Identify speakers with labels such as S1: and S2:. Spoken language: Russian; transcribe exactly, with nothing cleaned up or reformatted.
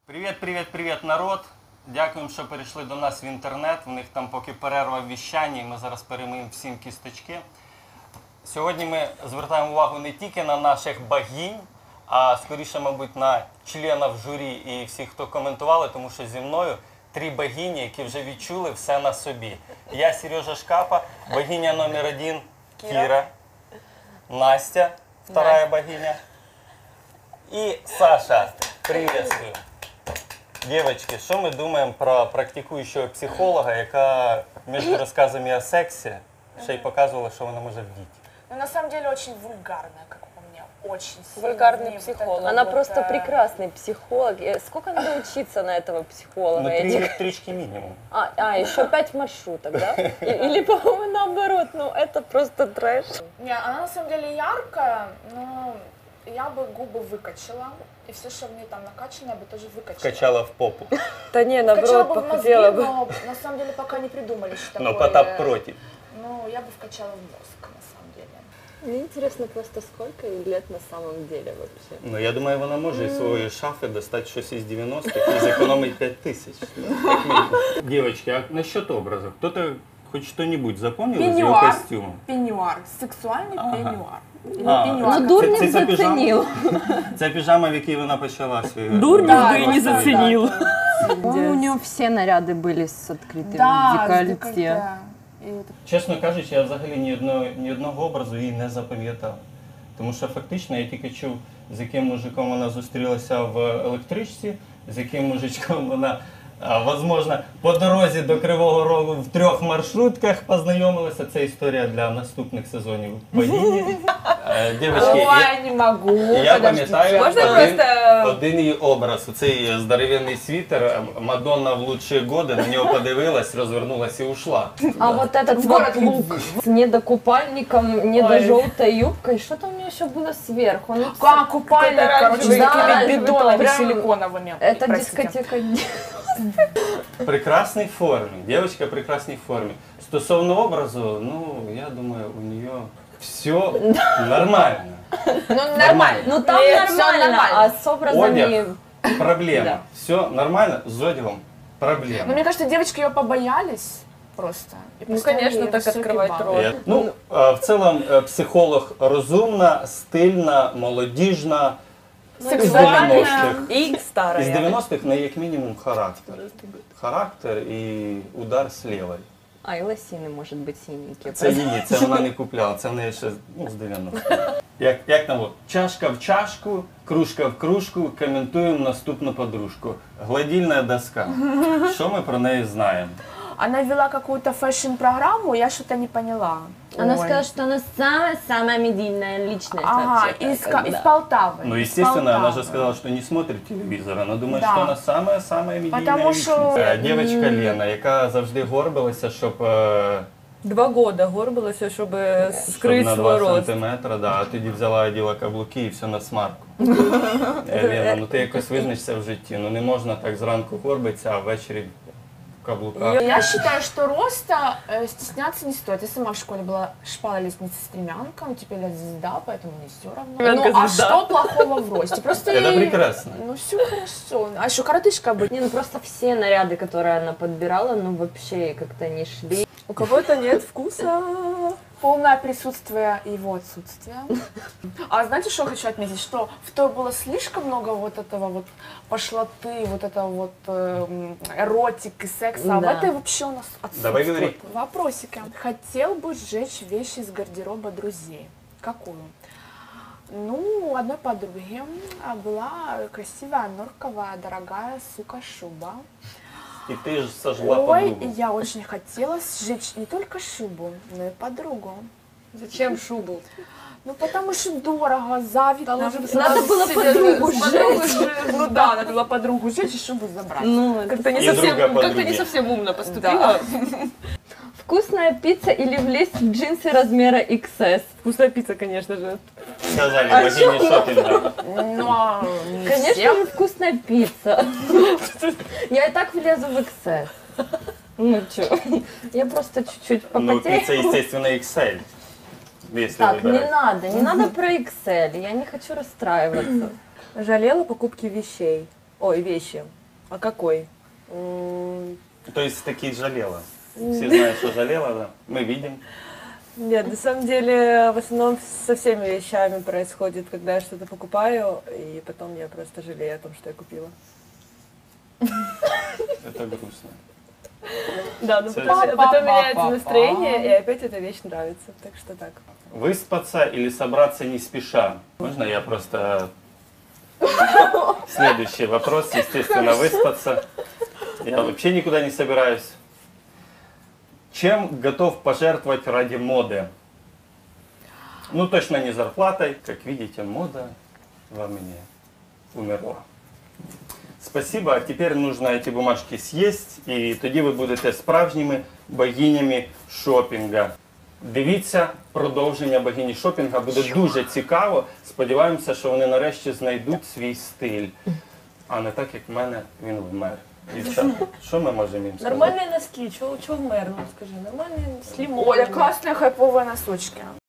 S1: Привіт, привіт, привіт, народ! Дякуємо, що перейшли до нас в інтернет. В них там поки перерва в віщанні, ми зараз перемиємо всім кісточки. Сьогодні ми звертаємо увагу не тільки на наших богинь, а скоріше, мабуть, на членів журі і всіх, хто коментували, тому що зі мною три богині, які вже відчули все на собі. Я Сережа Шкапа, богиня номер один Кіра, Кіра. Настя, вторая богиня, и Саша. Приветствую. Девочки, что мы думаем про практикующего психолога, яка между рассказами о сексе ще й показувала, що вона може вдіти?
S2: Ну, на самом деле, очень вульгарная, как по мне, очень
S3: вульгарный психолог.
S2: Вот
S3: Она
S2: вот,
S3: просто
S2: э...
S3: прекрасный психолог. Сколько надо учиться на этого психолога?
S1: Ну, три электрички минимум.
S3: А, а, еще пять маршруток, да? Или, по-моему, наоборот, ну это просто трэш.
S2: Не, она на самом деле яркая, но я бы губы выкачала. И все, что в ней там накачано, я бы тоже выкачала.
S1: Качала в попу.
S3: Да не,
S2: вкачала
S3: наоборот,
S2: бы в мозги,
S3: похудела бы.
S2: но на самом деле пока не придумали, что такое.
S1: Но Потап против.
S2: Ну, я бы вкачала в мозг, на самом деле.
S3: Мне интересно просто, сколько ей лет на самом деле вообще.
S1: Ну, я думаю, вона може із своєї шафи достати щось із дев'яностих і зекономить пять тысяч. Девочки, а насчет образа? Кто-то хоть что-нибудь запомнил из его
S2: Пеньюар.
S1: костюма?
S2: Пеньюар, сексуальный
S1: Ага.
S2: пеньюар.
S1: А,
S2: пеньюар.
S3: Ну, дурник
S1: Це- це ця піжама?
S3: заценил.
S1: Це піжама, в якій вона почала свій...
S3: Дурник
S2: Да,
S3: бы и не
S2: просто,
S3: заценил.
S2: да.
S4: По-моему, у него все наряды были с открытым
S2: Да, с
S4: декольте.
S2: декольте. И это
S1: Чесно кажучи, я взагалі ні одного, ні одного образу її не запам'ятав. Тому що фактично я тільки чув, з яким мужиком вона зустрілася в електричці, з яким мужичком вона, а, возможно, по дорозі до Кривого Рогу в трьох маршрутках познайомилася. Це історія для наступних сезонів богині. Е, Дівчатки,
S2: Ой,
S1: я,
S2: я не могу.
S1: я пам'ятаю
S3: Можна
S1: один,
S3: просто-
S1: один її образ. Цей здоровенний світер, Мадонна в лучші годи, на нього подивилась, розвернулась і ушла.
S3: А вот этот вот лук с недокупальником, недожелтой юбкой, что-то у нее еще было сверху. Ну,
S2: Как купальник,
S3: какой-то
S2: короче, с
S3: оранжевый, да,
S2: такими
S3: оранжевый,
S2: бидонами
S3: прям-
S2: силиконовыми.
S3: Это
S2: Простите.
S3: дискотека.
S1: В прекрасній формі. Дівчинка в прекрасній формі. Стосовно образу, ну, я думаю, у нее все нормально.
S2: Ну,
S1: Нормально.
S3: Ну там
S2: Нет, всё
S3: нормально,
S2: нормально.
S3: а с образами...
S1: Одяг – проблема.
S3: Да.
S1: Все нормально, з одягом
S2: Ну,
S1: проблема.
S2: мне кажется, девочки ее побоялись просто. И
S3: Ну,
S2: поставили
S3: конечно,
S2: ей
S3: так
S2: высокий
S3: открывать
S2: балл.
S3: рот.
S1: Е, Ну, е, в цілому, е, психолог розумна, стильна, молодіжна, із
S2: Сексуальна.
S1: дев'яностих.
S3: И
S1: Із
S3: старая.
S1: дев'яностих на як мінімум характер. Характер і удар з лівої.
S3: А, и лосины, может быть, синенькие.
S1: Це її, це вона не купляла, це в неї ще ну, з дев'яностих. Як, як там, от, чашка в чашку, кружка в кружку, коментуємо наступну подружку. Гладільна доска. Що ми про неї знаємо?
S2: Она вела какую-то фэшн-программу, я что-то не поняла.
S3: Она
S2: Ой.
S3: сказала, что она самая-самая медийная личность
S2: Ага,
S3: вообще-то,
S2: из,
S3: как
S2: Ка-
S3: бы,
S2: из
S3: да.
S2: Полтавы.
S1: Ну,
S2: из
S1: естественно, она же
S2: Полтавы.
S1: сказала, что не смотрит телевизор. Она думает,
S2: Да.
S1: що вона самая-самая медійна
S2: Потому
S1: личность.
S2: що-
S1: Е, Дівчинка Лена, яка завжди горбилася, щоб, е,
S4: Два года горбилася, щоб
S1: щоб
S4: скрити
S1: на
S4: свій
S1: два
S4: рост.
S1: сантиметри, да, а тоді взяла, оділа каблуки і все на смарку. Е, Лена, ну ти якось визначся в житті. Ну не можна так зранку горбитися, а ввечері в каблуках.
S2: Я считаю, что роста э, стесняться не стоит. Я сама в школе была шпала лестницы стремянка, ну теперь я звезда, поэтому мне все равно.
S4: Стремянка
S2: Ну а
S4: звезда.
S2: что плохого в росте? Просто
S1: Это
S2: ей-
S1: прекрасно.
S2: Ну все хорошо. А еще коротышка быть.
S3: Не, ну просто все наряды, которые она подбирала, ну вообще как-то не шли.
S4: У кого-то нет вкуса.
S2: Полное присутствие его отсутствия. А знаете, что я хочу отметить? Что в той было слишком много вот этого вот пошлоты, вот этого вот эм, эротики, секса. А в
S3: Да.
S2: этой вообще у нас отсутствует.
S1: Давай говори.
S2: Вопросики. Хотел бы сжечь вещи из гардероба друзей. Какую? Ну, у одной подруги а, была красивая норковая, дорогая, сука, шуба.
S1: І ти ж сожгла
S2: Ой,
S1: подругу.
S2: я очень хотела сжечь не только шубу, но и подругу.
S3: Зачем шубу?
S2: Ну, потому что дорого, завидно.
S3: Надо было подругу сжечь.
S2: Ну да, надо было подругу сжечь и шубу забрать.
S3: Ну,
S4: Как-то не,
S1: И
S4: совсем,
S1: друга
S4: как-то
S1: подруги.
S4: не совсем умно поступила.
S3: вкусная пицца или влезть в джинсы размера икс эс?
S4: Вкусная пицца, конечно же.
S1: Сказали,
S3: А
S1: богині, що ти взяв?
S2: Ну, а не
S3: Конечно
S2: всем.
S3: же, вкусная пицца. Я и так влезу в икс эс. Ну чё, я просто чуть-чуть
S1: Ну,
S3: попотею.
S1: пицца, естественно, икс эль. Если
S3: Так, не
S1: выбирать.
S3: надо, не надо про икс эль, я не хочу расстраиваться.
S4: Жалела покупки вещей. Ой, вещи. А какой? М,
S1: То есть таки жалела. Все знают, что жалела, да. Мы видим.
S4: Нет, на самом деле, в основном со всеми вещами происходит, когда я что-то покупаю, и потом я просто жалею о том, что я купила.
S1: Это грустно.
S4: Да, но
S1: Цель.
S4: потом, потом меняется
S2: Па-па-па-па.
S4: настроение, и опять эта вещь нравится. Так что так.
S1: Выспаться или собраться не спеша? Можно я просто... Следующий вопрос, естественно, выспаться. Я вообще никуда не собираюсь. Чем готов пожертвовать ради моды? Ну, точно не зарплатой. Как видите, мода во мне умерла. Спасибо, а тепер нужно эти бумажки съесть, і тоді ви будете справжніми богинями шопінга. Дивіться, продовження богині шопінга буде дуже цікаво. Сподіваємося, що вони нарешті знайдуть свій стиль, а не так, як в мене він вмер. Дівчата, що ми можемо їм сказати?
S4: Нормальные носки, чего, чего в мэр, ну скажи, нормальные с лимоном.
S2: Оля, классные хайповые носочки.